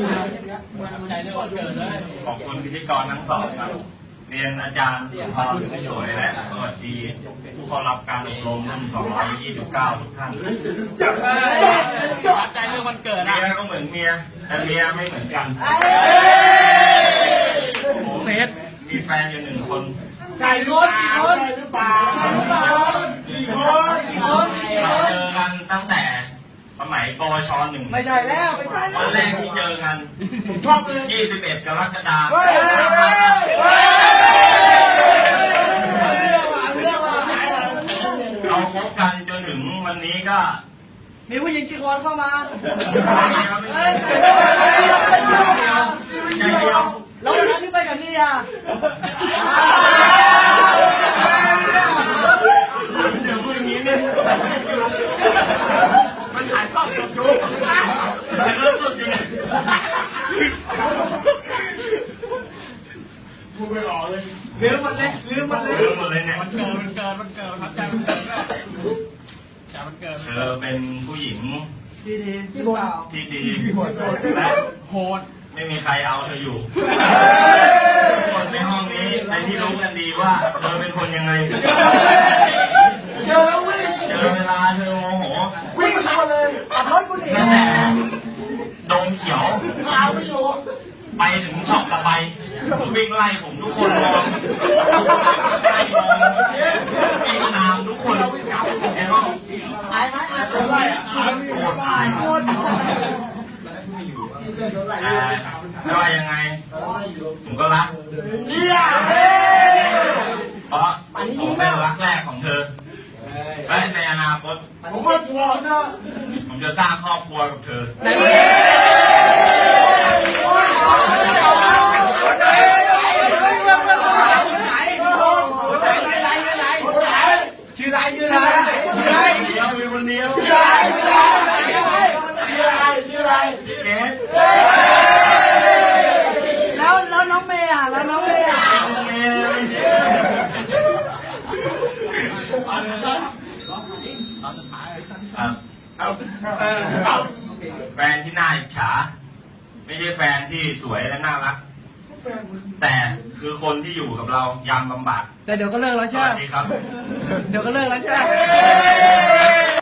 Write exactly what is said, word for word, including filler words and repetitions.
ใจเรื่องวันเกิดเลยขอบคุณพิธีกรทั้งสองครับเรียนอาจารย์สุนทรสวยและสวัสดีผู้เข้ารับการอบรมรุ่นสองร้อยยี่สิบเก้าทุกท่านใจเรื่องวันเกิดเมียก็เหมือนเมียแต่เมียไม่เหมือนกันเฟสมีแฟนอยู่หนึ่งคนใจรุ่นคนหรือเปล่ากี่คนกี่คนกี่คนเราเจอกันตั้งแต่สมัยปวชหนึ่งไม่ใช่แล้วไม่ใช่วันแรกที่เจอกันชอบเลยยี่สิบเอ็ดกรกฎาคมเราคบกันจนถึงวันนี้ก็มีผู้หญิงกี่คนเข้ามาใจเดียวแล้ววันนั้นที่ไปกับนี่อ่ะเดี๋ยวพูดอย่างนี้เนี่ยมันถ่ายทอดสดอยู่ถ่ายทอดสดจริงพูดไม่ออกเลยลืมมันเลยลืมมันเลยลืมหมดเลยเนี่ยมันเกิดมันเกิดมันเกิดครับใจมันเกิดใจมันเกิดเธอเป็นผู้หญิงดีดีที่เปล่าที่ดีและโหดไม่มีใครเอาเธออยู่ทุกคนในห้องนี้ในที่รู้กันดีว่าเธอเป็นคนยังไงเจอแล้ววิ่งเจอเวลาเธอโมโหวิ่งมาเลยขับรถกูหนีตั้งแต่โดมเขียวเอาไม่อยู่ไปถึงช็อปละไปวิ่งไล่ผมทุกคนมองไล่มองวิ่งตามทุกคนในห้องอายไหมอายอะไรอ่ะโกรธตายหมดแต่ไม่ว่ายังไงผมก็รักเยี่ยมเพราะผมเป็นรักแรกของเธอและในอนาคตผมก็ชัวร์นะผมจะสร้างครอบครัวกับเธอชื่ออะไรชื่ออะไรชื่ออะไรเดียวมีคนเดียวชื่ออะไรชื่ออะไรชื่ออะไรชื่ออะไรเกสแล้วแล้วน้องเมย์อ่ะแล้วน้องเมย์อ่ะเมย์แฟนที่น่าอิจฉาไม่ใช่แฟนที่สวยและน่ารักแต่คือคนที่อยู่กับเรายามลำบากแต่เดี๋ยวก็เลิกแล้วสใช่ไหมวัสดีครับเดี๋ยวก็เลิกแล้วใช่ไหม